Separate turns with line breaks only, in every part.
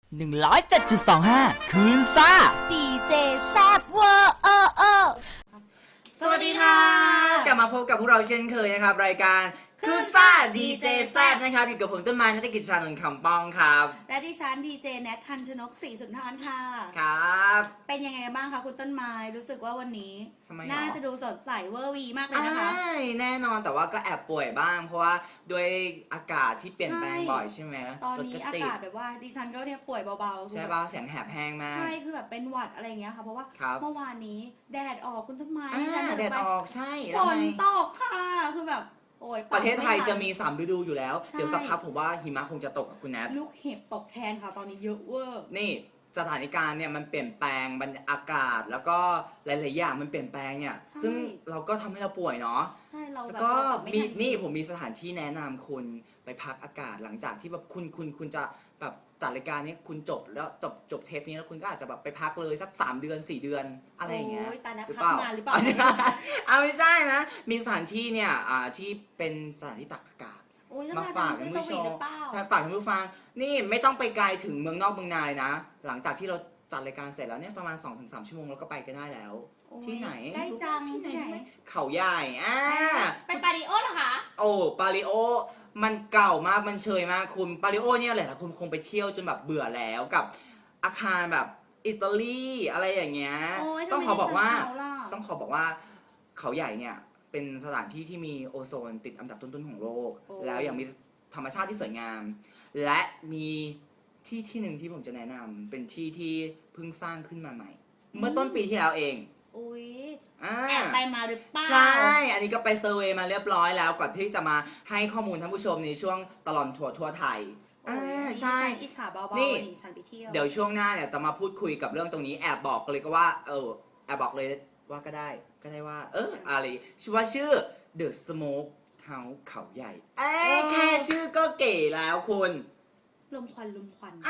107.25 คืนซ่า
ดีเจแซบเวอร์
สวัสดีค่ะกลับมาพบกับพวกเราเช่นเคยนะครับรายการคืนซ่าดีเจแซบนะครับอยู่กับผมต้นไม้นักกิจชานนท์คำป้องครับ
และดิฉันดีเจแนททันชนกศรีสุนทรค่ะ
ครับ
เป็นยังไงบ้างคะคุณต้นไม้รู้สึกว่าวันนี้น่าจะดูสดใสเวอร์วีมากเลยนะคะ
แน่นอนแต่ว่าก็แอบป่วยบ้างเพราะว่าด้วยอากาศที่เปลี่ยนแปลงบ่อยใช่ไหม
ตอนนี้อากาศแบบว่าดิฉันก็เนี่ยป่วยเบาๆ
ใช่ป่ะเสียงแหบแห้งมาก
ใช่คือแบบเป็นหวัดอะไรอย่างเงี้ยค่ะเพราะว่าเมื่อวานนี้แดดออกคุณต้นไม้ดิฉัน
แดดออกใช่
ฝนตกค่ะคือแบบ
ประเทศไทยจะมี3ฤดูอยู่แล้วเดี๋ยวสักพักผมว่าหิมะคงจะตกกับคุณแนท
ลูกเห็บตกแทนค่ะตอนนี้เยอะเวอร์
นี่สถานการณ์เนี่ยมันเปลี่ยนแปลงบรรยากาศแล้วก็หลายๆอย่างมันเปลี่ยนแปลงเนี่ยซึ่งเราก็ทำให้เราป่วยเนาะ
ใช่เรา
แล้วก็มีนี่ผมมีสถานที่แนะนำคุณไปพักอากาศหลังจากที่แบบคุณจะแบบจัดรายการนี้คุณจบแล้วจบเทปนี้แล้วคุณก็อาจจะแบบไปพักเลยสัก3 เดือน4 เดือนอะไรอย่างเงี้ย
หรือเปล่าหรือเปล่า
เอาไม่ใช่นะมีสถานที่เนี่ยที่เป็นสถานที่ตักอากาศมาฝากคุณผู้ชมฝากคุณผู้ฟังนี่ไม่ต้องไปไกลถึงเมืองนอกเมืองนานะหลังจากที่เราจัดรายการเสร็จแล้วเนี่ยประมาณ 2-3 ชั่วโมงเราก็ไปกันได้แล้วที่ไหน
ใกล้จัง
ที่ไหนเขาใหญ่
ไปปาริโอเหรอคะ
โอ้ปาริโอมันเก่ามากมันเชยมากคุณปาริโอเนี่ยแหละคุณคงไปเที่ยวจนแบบเบื่อแล้วกับอาคารแบบอิตาลีอะไรอย่างเงี้ยต้องขอบอกว่าเขาใหญ่เนี่ยเป็นสถานที่ที่มีโอโซนติดอันดับต้นๆของโลกแล้วยังมีธรรมชาติที่สวยงามและมีที่หนึ่งที่ผมจะแนะนำเป็นที่เพิ่งสร้างขึ้นมาใหม่เมื่อต้นปีที่แล้วเอง
อุ้ยแอบไปมาหรือเปล่า
ใช่อันนี้ก็ไปเซอร์เวย์มาเรียบร้อยแล้วก่อนที่จะมาให้ข้อมูลท่านผู้ชมในช่วงตลอดทั่วไทย
ใช่อิจฉาเบาๆนี่ฉันไปเที่ยว
เดี๋ยวช่วงหน้าเนี่ยจะมาพูดคุยกับเรื่องตรงนี้แอบบอกเลยก็ว่าแอบบอกเลยว่าก็ได้ว่าอะไรชื่อ The Smoke House เขาใหญ่แค่ชื่อก็เก๋แล้วคุณ
ลมควัน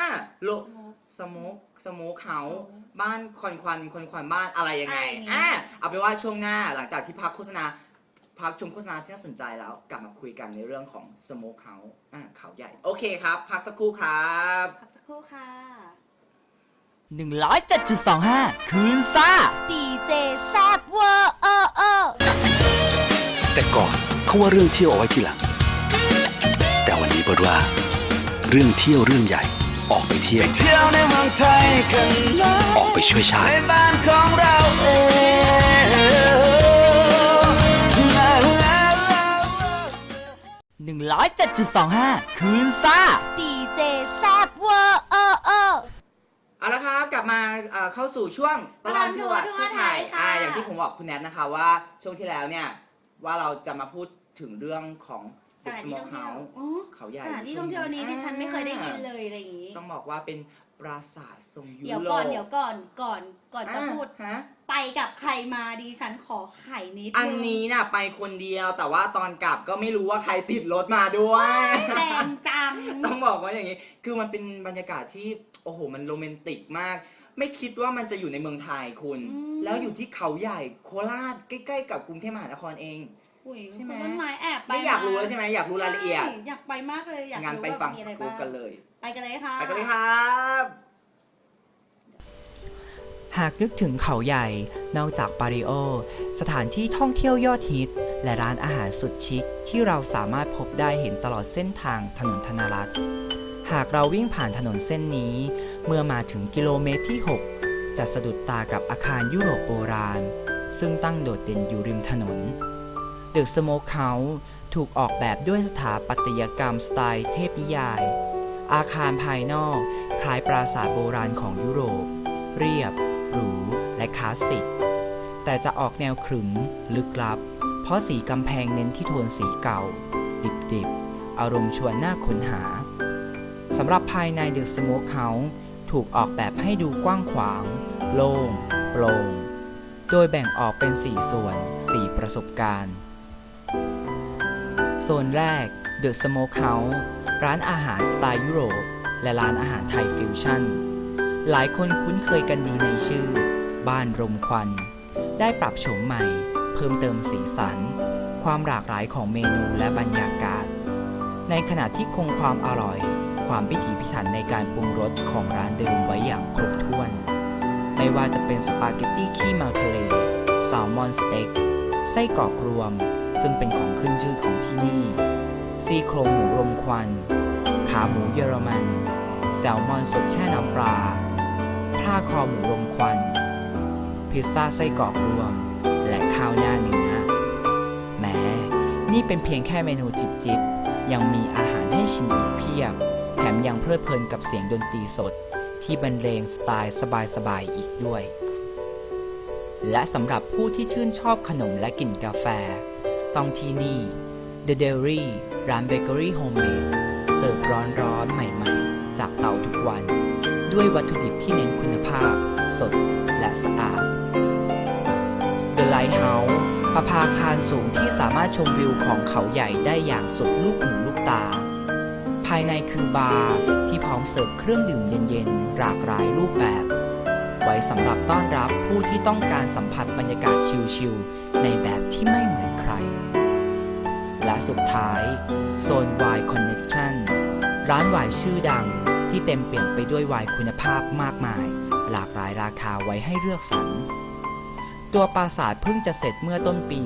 สโมกเฮาส์บ้านควันบ้านอะไรยังไงเอาเป็นว่าช่วงหน้าหลังจากที่พักชมโฆษณาที่น่าสนใจแล้วกลับมาคุยกันในเรื่องของสโมกเฮาส์เขาใหญ่โอเคครับพักสักครู่ครับ
พักสักครู่ค่ะ
107.25 คืนซ่า
ดีเจแซบเวอร์
แต่ก่อนเขาว่าเรื่องเที่ยวเอาไว้ทีหลังแต่วันนี้บอกว่าเรื่องเที่ยวเรื่องใหญ่ออกไปเที่ยวในเมืองไทยกันออกไปช่วยชาติในบ้านของเราเ
อง107.25 คืนซ่า
ดีเจแซบเวอร์
เอาละครับกลับมาเข้าสู่ช่วงตลอดทัวร์ทั่วไทยอย่างที่ผมบอกคุณแนทนะคะว่าช่วงที่แล้วเนี่ยว่าเราจะมาพูดถึงเรื่องของ
สถานที่ท่องเที่ยว
เขาใหญ่
สถานที่ท่องเที่ยวนี้ดิฉันไม่เคยได้ยินเลยอะไรอย่างนี้
ต้องบอกว่าเป็นปราสาททรงยุโรป
เดี๋ยวก่อนจะพูดไปกับใครมาดิฉันขอไข่นิดนึง
อันนี้น่ะไปคนเดียวแต่ว่าตอนกลับก็ไม่รู้ว่าใครติดรถมาด้วย
แรงจัง
ต้องบอกว่าอย่างนี้คือมันเป็นบรรยากาศที่โอ้โหมันโรแมนติกมากไม่คิดว่ามันจะอยู่ในเมืองไทยคุณแล้วอยู่ที่เขาใหญ่โคราชใกล้ๆกับกรุงเทพมหานครเอง
ใช่ไหมต้นไม้แอบไป
ไม่อยากรู้แล้วใช่ไหมอยากรู้รายละเอียด
อยากไปมากเลยอยาก
รู้ว่ามีอะไรบ้างกันเลย
ไปกันเลยค่ะ
ไปกันเลยครับ
หากนึกถึงเขาใหญ่นอกจากปาริโอสถานที่ท่องเที่ยวยอดฮิตและร้านอาหารสุดชิคที่เราสามารถพบได้เห็นตลอดเส้นทางถนนธนรัตน์หากเราวิ่งผ่านถนนเส้นนี้เมื่อมาถึงกิโลเมตรที่ 6จะสะดุดตากับอาคารยุโรปโบราณซึ่งตั้งโดดเด่นอยู่ริมถนนThe Smoke House ถูกออกแบบด้วยสถาปัตยกรรมสไตล์เทพนิยายอาคารภายนอกคล้ายปราสาทโบราณของยุโรปเรียบหรูและคลาสสิกแต่จะออกแนวขรึมลึกลับเพราะสีกำแพงเน้นที่โทนสีเก่าดิบๆอารมณ์ชวนน่าค้นหาสำหรับภายใน The Smoke House ถูกออกแบบให้ดูกว้างขวางโล่งโปร่งโดยแบ่งออกเป็น4 ส่วน 4 ประสบการณ์โซนแรก The Smoke House ร้านอาหารสไตล์ยุโรปและร้านอาหารไทยฟิวชั่นหลายคนคุ้นเคยกันดีในชื่อบ้านรมควันได้ปรับโฉมใหม่เพิ่มเติมสีสันความหลากหลายของเมนูและบรรยากาศในขณะที่คงความอร่อยความพิถีพิถันในการปรุงรสของร้านเดิมไว้อย่างครบถ้วน ไม่ว่าจะเป็นสปาเกตตี้ขี้เมาทะเลแซลมอนสเต็กไส้กรอกรวมซึ่งเป็นของขึ้นชื่อของที่นี่ซี่โครงหมูรมควันขาหมูเยอรมันแซลมอนสดแช่น้ำปลาผ้าคอหมูรมควันพิซซ่าไส้กรอกรวมและข้าวหน้าเนื้อแม้นี่เป็นเพียงแค่เมนูจิบๆยังมีอาหารให้ชิมอีกเพียบแถมยังเพลิดเพลินกับเสียงดนตรีสดที่บรรเลงสไตล์สบายๆอีกด้วยและสำหรับผู้ที่ชื่นชอบขนมและกลิ่นกาแฟต้องที่นี่ The Dairy ร้านเบเกอรี่โฮมเมดเสิร์ฟร้อนๆใหม่ๆจากเตาทุกวันด้วยวัตถุดิบที่เน้นคุณภาพสดและสะอาด The Lighthouse ประภาคารสูงที่สามารถชมวิวของเขาใหญ่ได้อย่างสุดลูกหูลูกตาภายในคือบาร์ที่พร้อมเสิร์ฟเครื่องดื่มเย็นๆหลากหลายรูปแบบไว้สำหรับต้อนรับผู้ที่ต้องการสัมผัสบรรยากาศชิลๆในแบบที่ไม่เหมือนใครและสุดท้ายโซน Wine Connection ร้านไวน์ชื่อดังที่เต็มเปี่ยมไปด้วยไวน์คุณภาพมากมายหลากหลายราคาไว้ให้เลือกสรรตัวปราสาทเพิ่งจะเสร็จเมื่อต้นปี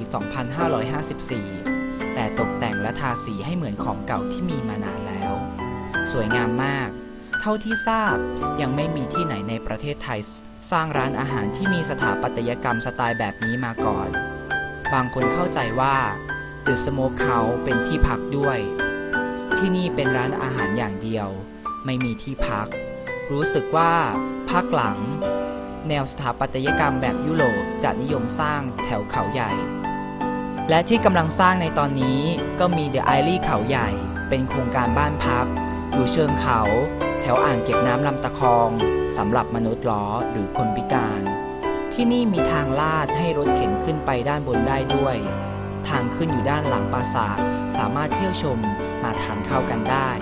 2554 แต่ตกแต่งและทาสีให้เหมือนของเก่าที่มีมานานแล้วสวยงามมากเท่าที่ทราบยังไม่มีที่ไหนในประเทศไทยสร้างร้านอาหารที่มีสถาปัตยกรรมสไตล์แบบนี้มาก่อนบางคนเข้าใจว่า The Smokehouse เป็นที่พักด้วยที่นี่เป็นร้านอาหารอย่างเดียวไม่มีที่พักรู้สึกว่าภาคหลังแนวสถาปัตยกรรมแบบยุโรปจะนิยมสร้างแถวเขาใหญ่และที่กำลังสร้างในตอนนี้ก็มี The Airy เขาใหญ่เป็นโครงการบ้านพักอยู่เชิงเขาแถวอ่างเก็บน้ำลำตะคองสำหรับมนุษย์ล้อหรือคนพิการที่นี่มีทางลาดให้รถเข็นขึ้นไปด้านบนได้ด้วยทางขึ้นอยู่ด้านหลังปราสาทสามารถเที่ยวชมมาทานข้าวกันได้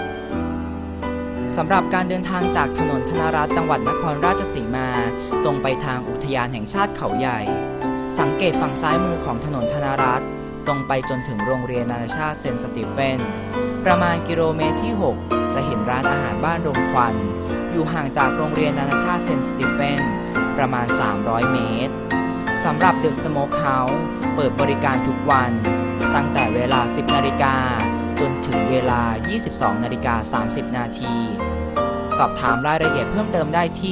สำหรับการเดินทางจากถนนธนรัตน์จังหวัดนครราชสีมาตรงไปทางอุทยานแห่งชาติเขาใหญ่สังเกตฝั่งซ้ายมือของถนนธนรัตน์ตรงไปจนถึงโรงเรียนนานาชาติเซนต์สตีเฟนประมาณกิโลเมตรที่ 6 จะเห็นร้านอาหารบ้านรมควันอยู่ห่างจากโรงเรียนนานาชาติเซนต์สตีเฟนประมาณ300 เมตรสำหรับ The Smokehouse เปิดบริการทุกวันตั้งแต่เวลา 10 นาฬิกาจนถึงเวลา 22 นาฬิกา 30 นาทีสอบถามรายละเอียดเพิ่มเติมได้ที่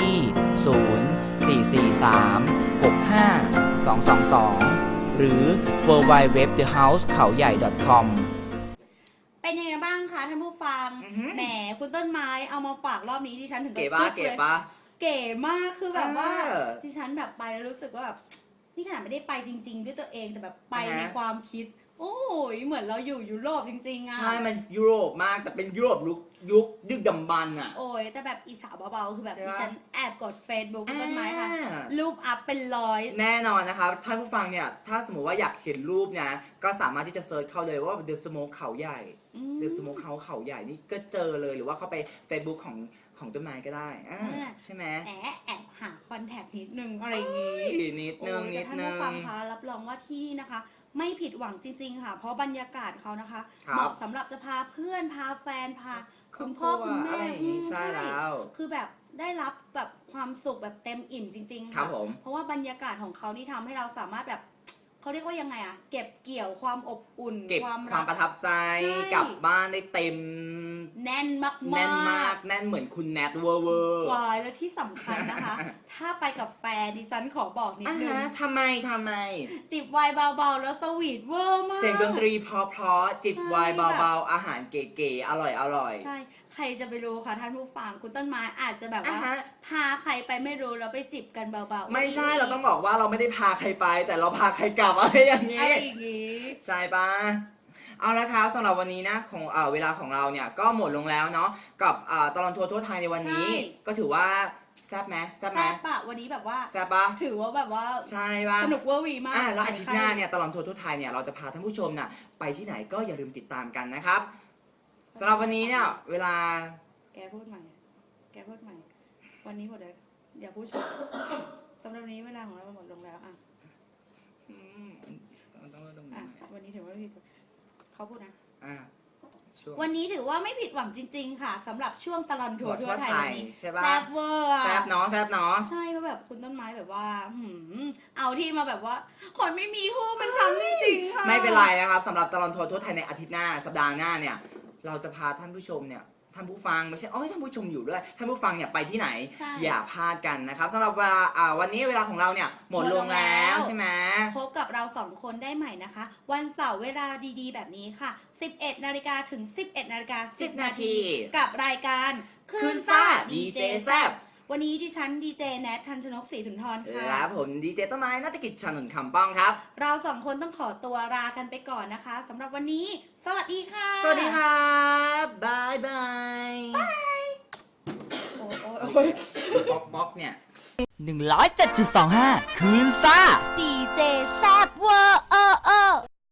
0443652222 หรือ www.thehousekhao-yai.com
เป็นยังไงบ้างคะท่านผู้ฟังแหมคุณต้นไม้เอามาฝากรอบนี้ดิฉันถึงกับเก๋ปะเก๋มากคือแบบว่าดิฉันแบบไปแล้วรู้สึกว่าแบบนี่ขนาดไม่ได้ไปจริงๆด้วยตัวเองแต่แบบไปในความคิดโอ้ยเหมือนเราอยู่ยุโรปจริงๆอ่ะ
ใช่มันยุโรปมากแต่เป็นยุโรปยุคดึกดำบรรพ์อ่ะ
โอ้ยแต่แบบอีสาวเบาๆคือแบบดิฉันแอบกด Facebook คุณต้นไม้ค่ะรูปอัพเป็น100
แน่นอนนะคะท่านผู้ฟังเนี่ยถ้าสมมติว่าอยากเห็นรูปนะก็สามารถที่จะเซิร์ชเข้าเลยว่า The Smoke เขาใหญ่ The Smoke House เขาใหญ่นี่ก็เจอเลยหรือว่าเข้าไป Facebook ของต้นไม้ก็ได้ใช่ไหม
แอบหาคอนแทคนิดนึงอะไรอย่างงี้
นิดนึง
ท่านผู้ฟังคะรับรองว่าที่นะคะไม่ผิดหวังจริงๆค่ะเพราะบรรยากาศเขานะคะเหมาะสำหรับจะพาเพื่อนพาแฟนพาคุณพ่อคุณแม่
ใช่แล้ว
คือแบบได้รับแบบความสุขแบบเต็มอิ่มจริงๆค่ะเพราะว่าบรรยากาศของเขานี่ทำให้เราสามารถแบบเขาเรียกว่ายังไงอะเก็บเกี่ยวความอบอุ่น
ความประทับใจกลับบ้านได้เต็ม
แน่นมาก
แน่นเหมือนคุณแนทเวอร์
วายแล้วที่สำคัญนะคะถ้าไปกับแฟนดิฉันขอบอกนิดนึง
ทำไม
จิบไวน์เบาๆแล้วสวีทเวอร์มาก
เสียงดนตรีเพราะจิบไวน์เบาๆอาหารเก๋ๆอร่อย
ใช่ใครจะไปรู้ค่ะท่านผู้ฟังคุณต้นไม้อาจจะแบบว่าพาใครไปไม่รู้แล้วไปจิบกันเบาๆ
ไม่ใช่เราต้องบอกว่าเราไม่ได้พาใครไปแต่เราพาใครกลับอะไรอย่างนี้ใช่ปะเอาละครับสำหรับวันนี้นะของเวลาของเราเนี่ยก็หมดลงแล้วเนาะกับตลอดทัวร์ทั่วไทยในวันนี้ก็ถือว่าแซ่บไหมแซ่บ
ปะวันนี้แบบว่า
แซ่บปะ
ถือว่าแบบว่า
ใช่ปะ
สนุกเวอร์วีมาก
แล้วอาทิตย์หน้าเนี่ยตลอดทัวร์ทั่วไทยเนี่ยเราจะพาท่านผู้ชมน่ะไปที่ไหนก็อย่าลืมติดตามกันนะครับสำหรับวันนี้เนี่ยเวลา
แกพูดใหม่วันนี้หมดเลยอย่าพูดชมสำหรับวันนี้เวลาของเราหมดลงแล้วอ่ะ
ต้องลง
วันนี้ถือว่าเขาพูดนะวันนี้ถือว่าไม่ผิดหวังจริงๆค่ะสำหรับช่วงตลอดทัวร์ทั่วไทยวันนี้
ใช่ปะ
แซ่บเวอร์อะ
แซบเนาะแซบเนาะ
ใช่เพราะแบบคุณต้นไม้แบบว่าเอาที่มาแบบว่า คนไม่มีคู่มันช้ำจริงๆค่ะ
ไม่เป็นไรนะครับสำหรับตลอดทัวร์ทั่วไทยในอาทิตย์หน้าสัปดาห์หน้าเนี่ย เราจะพาท่านผู้ชมเนี่ยท่านผู้ฟังไม่ใช่ท่านผู้ชมอยู่ด้วยท่านผู้ฟังเนี่ยไปที่ไหน
ใช่
อย่าพลาดกันนะครับสำหรับวันนี้เวลาของเราเนี่ยหมดลงแล้วใช่ไหม
พบกับเรา2 คนได้ใหม่นะคะ วันเสาร์เวลาดีๆ แบบนี้ค่ะ 11 นาฬิกาถึง 11 นาฬิกา 10 นาทีกับรายการคืนซ่าดีเจแซบวันนี้ดิฉันดีเจแนททันชนกศรีสุนทรค่ะ
และผมดีเจต้นไม้นัฐกิจชนนท์คำป้องครับ
เรา2 คนต้องขอตัวลากันไปก่อนนะคะสำหรับวันนี้ สวัสดีค่ะ
สวัสดีครับบายบาย
โอ้ย
ป๊อกเนี่ย
107.25 คืนซ่า
ดีเจแซบเวอร์